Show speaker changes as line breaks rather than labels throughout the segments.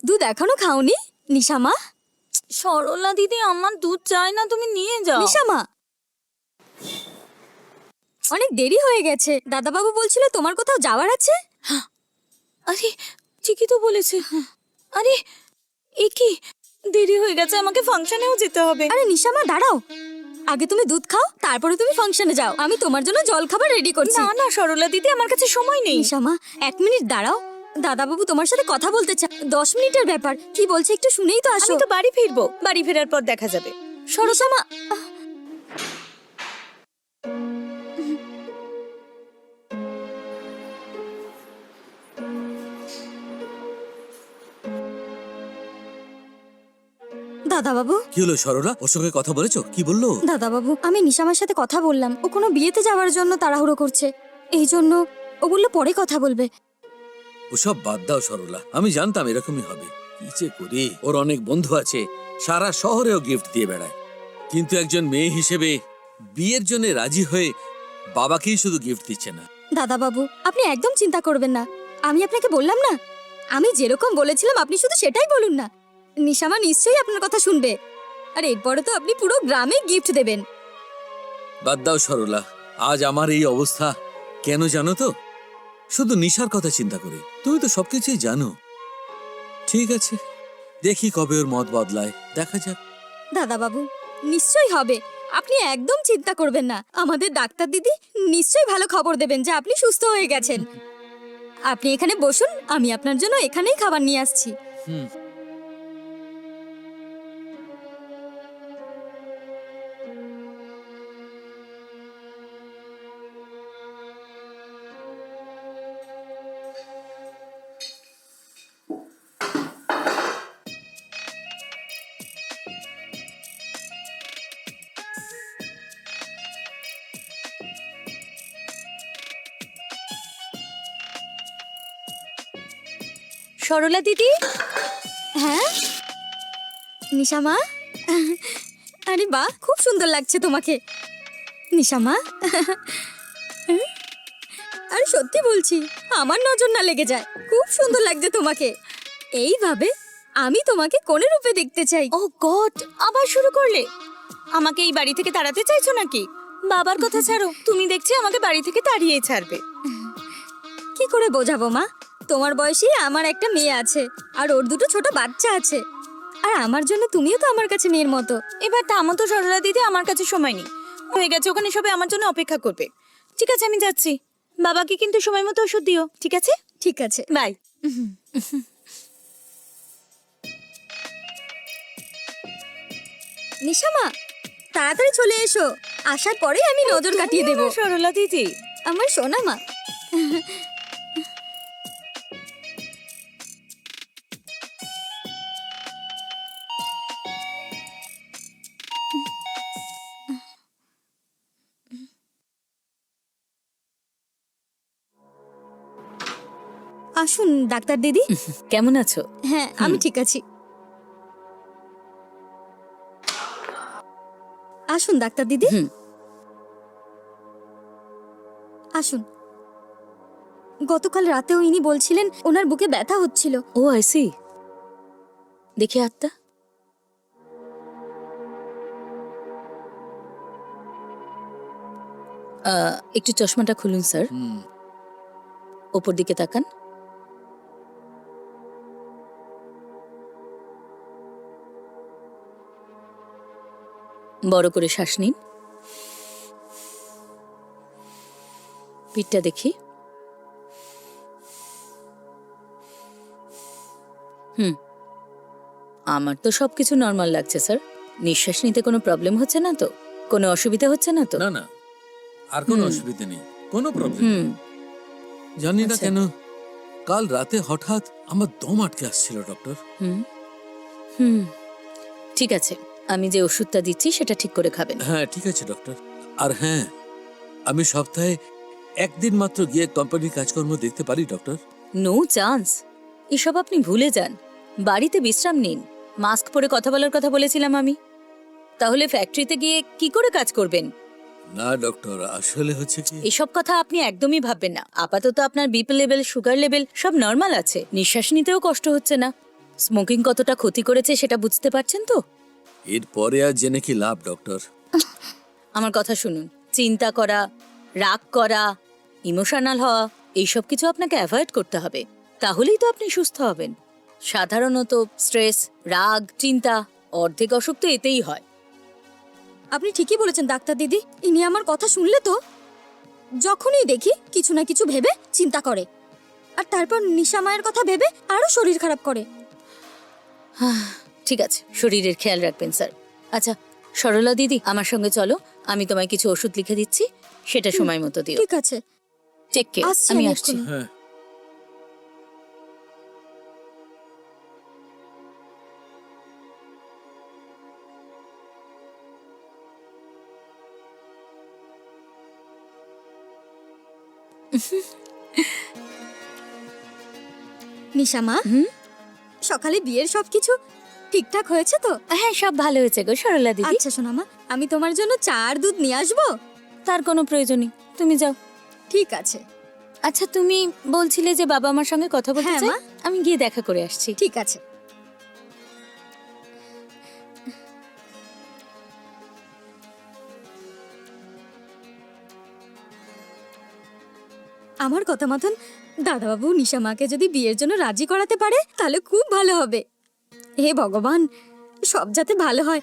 দুধ এখনো খাওনি নিশামা?
সরলা দিদি, আমার দুধ চাই না, তুমি নিয়ে যাও।
নিশামা, অনেক দেরি হয়ে গেছে। দাদাবাবু বলছিল তোমার কোথাও যাওয়ার আছে।
আরে ঠিকই তো বলেছে। আরে এ কি, দেরি হয়ে গেছে, আমাকে ফাংশনেও যেতে হবে।
আরে নিশামা দাঁড়াও, আগে তুমি দুধ খাও, তারপরে তুমি ফাংশনে যাও। আমি তোমার জন্য জল খাবার রেডি করছি।
না না সরলা দিদি, আমার কাছে সময় নেই।
নিশামা 1 মিনিট দাঁড়াও, দাদাবাবু তোমার সাথে কথা বলতে চায়। 10 মিনিটের ব্যাপার, কি বলছে একটু শুনেই তো আসো।
আমি তো বাড়ি ফিরবো, বাড়ি ফেরার পর দেখা যাবে।
নিশামা, দাদাবাবু।
কি হলো সরলা? ওর সঙ্গে কথা বলেছো? কি বললো?
দাদাবাবু, আমি নিশামার সাথে কথা বললাম। ও কোনো বিয়েতে যাওয়ার জন্য তাড়াহুড়ো করছে, এই জন্য ও বললো পরে কথা বলবে।
ওসব বাদ দাও সরলা, আমি জানতাম এরকমই হবে। কি যে করি, ওর অনেক বন্ধু আছে, সারা শহরেও গিফট দিয়ে বেড়ায়, কিন্তু একজন মেয়ে হিসেবে বিয়ের জন্য রাজি হয়ে বাবাকেই শুধু গিফট দিচ্ছে না।
দাদাবাবু, আপনি একদম চিন্তা করবেন না। আমি আপনাকে বললাম না, আমি যেরকম বলেছিলাম আপনি শুধু সেটাই বলুন না। নিশামা নিশ্চয়ই আপনার কথা শুনবে। আর এরপরে তো আপনি পুরো গ্রামে গিফট দেবেন।
বাদ দাও সরলা, আজ আমার এই অবস্থা কেন জানো তো? শুধু নিশার কথা চিন্তা করে। তুমি তো সবকিছুই জানো। ঠিক আছে, দেখি কবে ওর মত বদলায়, দেখা যাক।
দাদাবাবু, নিশ্চয়ই হবে, আপনি একদম চিন্তা করবেন না। আমাদের ডাক্তার দিদি নিশ্চয়ই ভালো খবর দেবেন যে আপনি সুস্থ হয়ে গেছেন। আপনি এখানে বসুন, আমি আপনার জন্য এখানেই খাবার নিয়ে আসছি।
হুম।
সরলা দিদি,
হ্যাঁ নিশামা, আরে বাহ, খুব সুন্দর লাগছে তোমাকে নিশামা। আরে সত্যি বলছি, আমার নজর না লেগে যায়, খুব সুন্দর লাগছে তোমাকে। এইভাবে আমি তোমাকে কোনে রূপে দেখতে চাই।
ও গড, আবার শুরু করলে? আমাকে এই বাড়ি থেকে তাড়াতে চাইছো নাকি? বাবার কথা ছাড়ো, তুমি দেখছি আমাকে বাড়ি থেকে তাড়িয়ে ছাড়বে।
কি করে বোঝাবো মা, তোমার বয়সী আমার একটা মেয়ে আছে, আর ওর দুটো ছোট বাচ্চা আছে। আর আমার জন্য তুমিও তো আমার কাছে মেয়ের মতো।
এবার থামো তো সরলা দিদি, আমার কাছে সময় নেই। হয়ে গেছে, ওখানে সবাই আমার জন্য অপেক্ষা করবে। ঠিক আছে, আমি যাচ্ছি। বাবাকে কিন্তু সময় মতো ওষুধ দিও, ঠিক আছে?
ঠিক আছে,
বাই।
নিশামা তাড়াতাড়ি চলে এসো, আসার পরে আমি নজর কাটিয়ে দেব।
সরলা দিদি,
আমার সোনা মা। আসুন ডাক্তার দিদি।
কেমন আছো?
হ্যাঁ, আমি ঠিক আছি। আসুন ডাক্তার দিদি,
হুম।
আসুন। গতকাল রাতেও ইনি বলছিলেন ওনার বুকে ব্যথা হচ্ছিল।
ও আইসি, দেখি হাতটা। একটু চশমাটা খুলুন স্যার,
হুম।
ওপর দিকে তাকান। বড় করে শ্বাস নিন। পিঠটা দেখি। আমার তো সবকিছু নর্মাল লাগছে স্যার। নিঃশ্বাস নিতে কোনো প্রবলেম হচ্ছে না তো? কোনো অসুবিধা হচ্ছে না তো?
না না, আর কোনো অসুবিধা নেই, কোনো প্রবলেম।
হুম।
জানি না
আচ্ছা।
কেন কাল রাতে হঠাৎ আমার দম আটকে আসছিল ডক্টর।
হুম হুম ঠিক আছে, আমি যে ওষুধটা দিচ্ছি সেটা ঠিক করে খাবেন।
হ্যাঁ ঠিক আছে ডক্টর। আর হ্যাঁ, আমি সপ্তাহে 1 দিন মাত্র গিয়ে কোম্পানির কাজকর্ম দেখতে পারি ডক্টর?
নো চান্স, এসব আপনি ভুলে যান। বাড়িতে বিশ্রাম নিন। মাস্ক পরে কথা বলার কথা বলেছিলাম আমি, তাহলে ফ্যাক্টরিতে গিয়ে কি করে কাজ করবেন?
না ডক্টর, আসলে হচ্ছে কি,
এসব কথা আপনি একদমই ভাববেন না। আপাতত আপনার বিপি লেভেল, সুগার লেভেল সব নর্মাল আছে, নিঃশ্বাস নিতেও কষ্ট হচ্ছে না। স্মোকিং কতটা ক্ষতি করেছে সেটা বুঝতে পারছেন তো?
এরপরে আর জেনে কি লাভ ডক্টর?
আমার কথা শুনুন, চিন্তা করা, রাগ করা, ইমোশনাল হওয়া, এইসব কিছু আপনাকে অ্যাভয়েড করতে হবে। তাহলেই তো আপনি সুস্থ হবেন। সাধারণত স্ট্রেস, রাগ, চিন্তা, অর্ধেক অসুখ তো এতেই হয়।
আপনি ঠিকই বলেছেন ডাক্তার দিদি। ইনি আমার কথা শুনলে তো যখনই দেখি কিছু না কিছু ভেবে চিন্তা করে, আর তারপর নিশা মায়ের কথা ভেবে আরো শরীর খারাপ করে।
ঠিক আছে, শরীরের খেয়াল রাখবেন স্যার। আচ্ছা সরলা দিদি, আমার সঙ্গে চলো, আমি তোমায় কিছু ওষুধ লিখে দিচ্ছি, সেটা সময় মতো দিও।
ঠিক আছে,
টেক কেয়ার,
আসছি
আমি
আমি
আসছি।
এক্ষুনি।
হ্যাঁ,
নিশা মা,
হুম?
সকালে বিয়ের সবকিছু ঠিকঠাক হয়েছে তো?
হ্যাঁ, সব ভালো হয়েছে গো সরলা দিদি।
আচ্ছা সোনা মা, আমি তোমার জন্য চা আর দুধ নিয়ে আসবো।
তার কোনো প্রয়োজন নেই, তুমি যাও।
ঠিক আছে,
আচ্ছা তুমি বলছিলে যে বাবা আমার সঙ্গে কথা বলতে
হ্যাঁ,
চায়,
মা।
আমি গিয়ে দেখা করে আসছি।
ঠিক আছে। আমার কথা মতন দাদাবাবু নিশা মাকে যদি বিয়ের জন্য রাজি করাতে পারে তাহলে খুব ভালো হবে। হে ভগবান, সব যাতে ভালো হয়।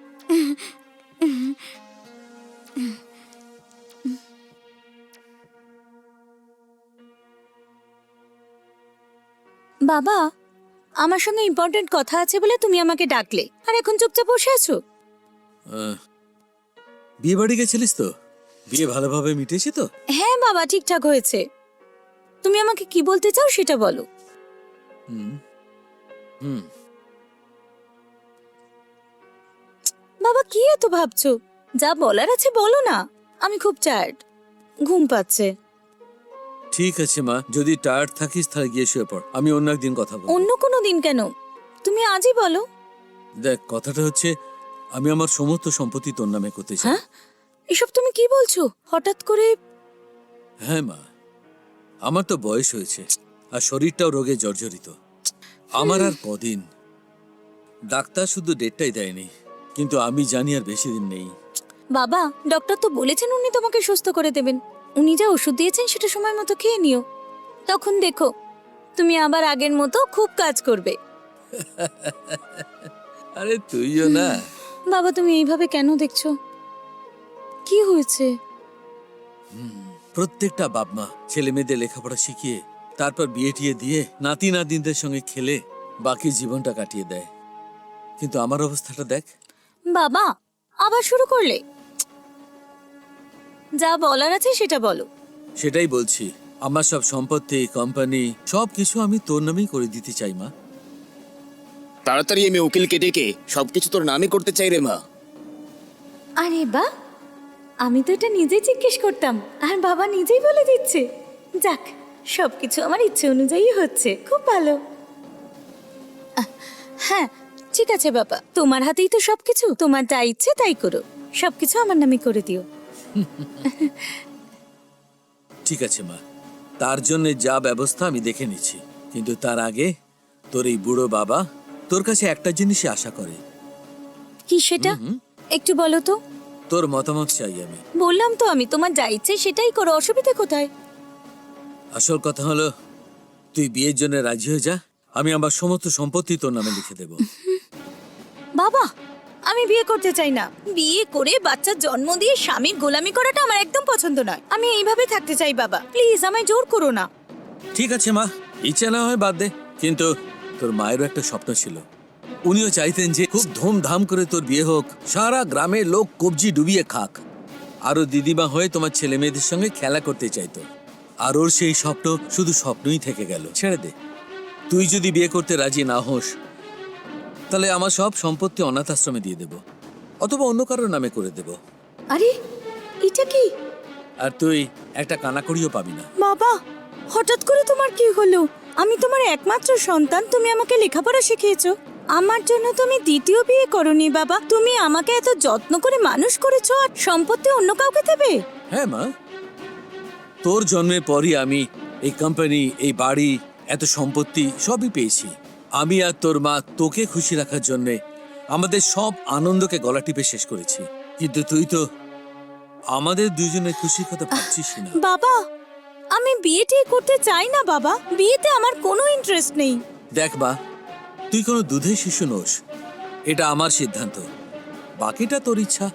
বাবা, আমার সঙ্গে ইম্পর্টেন্ট কথা আছে বলে তুমি আমাকে ডাকলে, আর এখন চুপচাপ বসে আছো।
বিয়ে বাড়ি গেছিলিস তো? বিয়ে ভালোভাবে মিটেছে তো?
হ্যাঁ বাবা, ঠিকঠাক হয়েছে। তুমি আমাকে কি বলতে চাও সেটা বলো।
হুম হুম
বাবা কি এত ভাবছো? যা বলার আছে বলো না। আমি খুব টায়ার্ড, ঘুম পাচ্ছে।
ঠিক আছে মা, যদি টায়ার্ড থাকিস তাহলে গিয়ে শুয়ে পড়, আমি অন্য একদিন কথা বলবো।
অন্য কোনো দিন কেন, তুমি আজই বলো।
দেখ, কথাটা হচ্ছে আমি আমার সমস্ত সম্পত্তি তোর নামে করতে চাই।
হ্যাঁ, এসব তুমি কি বলছো হঠাৎ করে?
হ্যাঁ মা, আমার তো বয়স হয়েছে আর শরীরটাও রোগে জর্জরিত। আমার আর কদিন। ডাক্তার শুধু ডেটটাই দেয়নি, কিন্তু আমি জানি আর বেশি দিন নেই।
বাবা, ডক্টর তো বলেছেন উনি তোমাকে সুস্থ করে দেবেন। উনি যা ওষুধ দিয়েছেন সেটা সময় মতো খেয়ে নিও, তখন দেখো তুমি আবার আগের মতো খুব কাজ করবে।
আরে তুইও না।
বাবা তুমি এইভাবে কেন দেখছো? কি হয়েছে?
প্রত্যেকটা বাপ মা ছেলে মেয়েদের লেখাপড়া শিখিয়ে তারপর বিয়ে টিয়ে দিয়ে নাতি নাতনিদের সঙ্গে খেলে বাকি জীবনটা কাটিয়ে দেয়, কিন্তু আমার অবস্থাটা দেখ।
বাবা আবার শুরু করলে? যা বলার আছে সেটা বলো।
সেটাই বলছি, আমার সব সম্পত্তি, কোম্পানি সবকিছু আমি তোর নামেই করে দিতে চাই মা।
তাড়াতাড়ি আমি উকিলকে ডেকে সবকিছু তোর নামে করতে চাই রে মা।
আরে বা, আমি তো এটা নিজেই জিজ্ঞেস করতাম আর বাবা নিজেই বলে দিচ্ছে। যাক, সবকিছু আমার ইচ্ছে অনুযায়ী হচ্ছে, খুব ভালো। হ্যাঁ ঠিক আছে বাবা, তোমার হাতেই তো সবকিছু, তোমার যা ইচ্ছে তাই করো, সবকিছু আমার নামে করে দিও।
ঠিক আছে মা, তার জন্য যা ব্যবস্থা আমি দেখে নিচ্ছি, কিন্তু তার আগে তোর এই বুড়ো বাবা তোর কাছে একটা জিনিসই আশা করে।
কি সেটা? একটু বলো তো।
তোর মতামত চাই আমি।
বললাম তো আমি, তোমার যা ইচ্ছে সেটাই করো, অসুবিধা কোথায়?
আসল কথা হলো তুই বিয়ের জন্য রাজি হয়ে যা, আমি আমার সমস্ত সম্পত্তি তোর নামে লিখে দেব।
বাবা আমি বিয়ে করতে চাই না। বিয়ে করে বাচ্চার জন্ম দিয়ে স্বামীর গোলামি করাটা আমার একদম পছন্দ নয়। আমি এইভাবে থাকতে চাই বাবা, প্লিজ আমায় জোর করো না।
ঠিক আছে মা, ইচ্ছা না হয় বাদ দে, কিন্তু তোর মায়েরও একটা স্বপ্ন ছিল। উনিও চাইতেন যে খুব ধুমধাম করে তোর বিয়ে হোক, সারা গ্রামের লোক কবজি ডুবিয়ে খাক, আরো দিদিমা হয়ে তোমার ছেলে মেয়েদের সঙ্গে খেলা করতে চাইতো। আর ওর সেই স্বপ্ন শুধু স্বপ্নই থেকে গেল। ছেড়ে দে, তুই যদি বিয়ে করতে রাজি না হোস তাহলে আমার সব সম্পত্তি অনাথ আশ্রমে দিয়ে দেব, অথবা অন্য কারোর নামে করে দেব,
আরে এটা কি?
আর তুই একটা কানাকড়িও পাবি না।
বাবা হঠাৎ করে তোমার কি হলো? আমি তোমার একমাত্র সন্তান, তুমি আমাকে লেখাপড়া শিখিয়েছো, আমার জন্য তুমি দ্বিতীয় বিয়ে করনি বাবা। তুমি আমাকে এত যত্ন করে মানুষ করেছো আর সম্পত্তি অন্য কাউকে দেবে?
হ্যাঁ মা, তোর জন্মের পরই আমি এই কোম্পানি, এই বাড়ি, এত সম্পত্তি সবই পেয়েছি। আমি আর তোর মা তোকে খুশি রাখার জন্য আমাদের সব আনন্দকে গলা টিপে শেষ করেছি, কিন্তু তুই তো আমাদের দুজনের খুশির কথা ভাবছিস না।
বাবা, আমি বিয়ে টিয়ে করতে চাই না বাবা। বিয়েতে আমার কোনো ইন্টারেস্ট নেই।
দেখ মা, তুই কোনো দুধের শিশু নোস, এটা আমার সিদ্ধান্ত, বাকিটা তোর ইচ্ছা।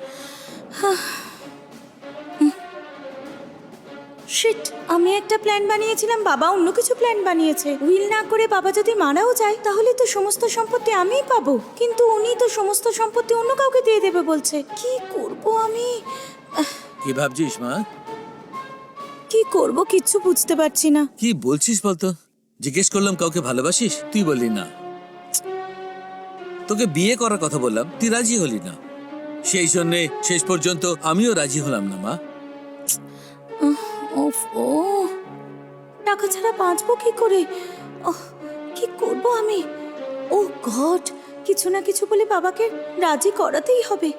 শিট, আমি একটা প্ল্যান বানিয়েছিলাম, বাবা অন্য কিছু প্ল্যান বানিয়েছে। উইল না করে বাবা যদি মারাও যায় তাহলে তো সমস্ত সম্পত্তি আমিই পাবো, কিন্তু উনি তো সমস্ত সম্পত্তি অন্য কাউকে দিয়ে দেবে বলছে। কি করব আমি?
কি ভাবছিস মা?
কি করব কিচ্ছু বুঝতে পারছি না।
কি বলছিস বলতো? জিজ্ঞেস করলাম কাউকে ভালোবাসিস, তুই বললি না। তোকে বিয়ে করার কথা বললাম, তুই রাজি হলি না। সেই জন্যে শেষ পর্যন্ত আমিও রাজি হলাম না মা।
উফ, ও টাকা ছাড়া বাঁচবো কি করে? কি করব আমি? ও গড, কিছু না কিছু বলে বাবাকে রাজি করাতেই হবে।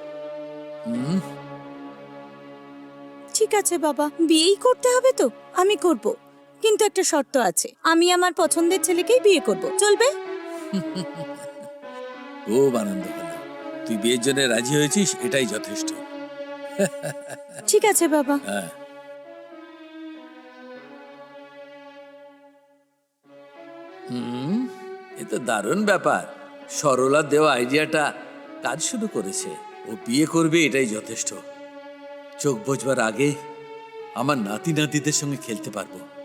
ঠিক আছে বাবা, বিয়েই করতে হবে তো? আমি করব, কিন্তু একটা শর্ত আছে, আমি আমার পছন্দের ছেলেকেই বিয়ে করব, চলবে?
খুব আনন্দ হলো, তুই বিয়ের জন্য রাজি হয়েছিস, এটাই যথেষ্ট।
ঠিক আছে বাবা।
হ্যাঁ, এ তো দারুণ ব্যাপার। সরলার দেওয়া আইডিয়াটা কাজ শুরু করেছে। ও বিয়ে করবে, এটাই যথেষ্ট। চোখ বোঝবার আগে আমার নাতি নাতিদের সঙ্গে খেলতে পারবো।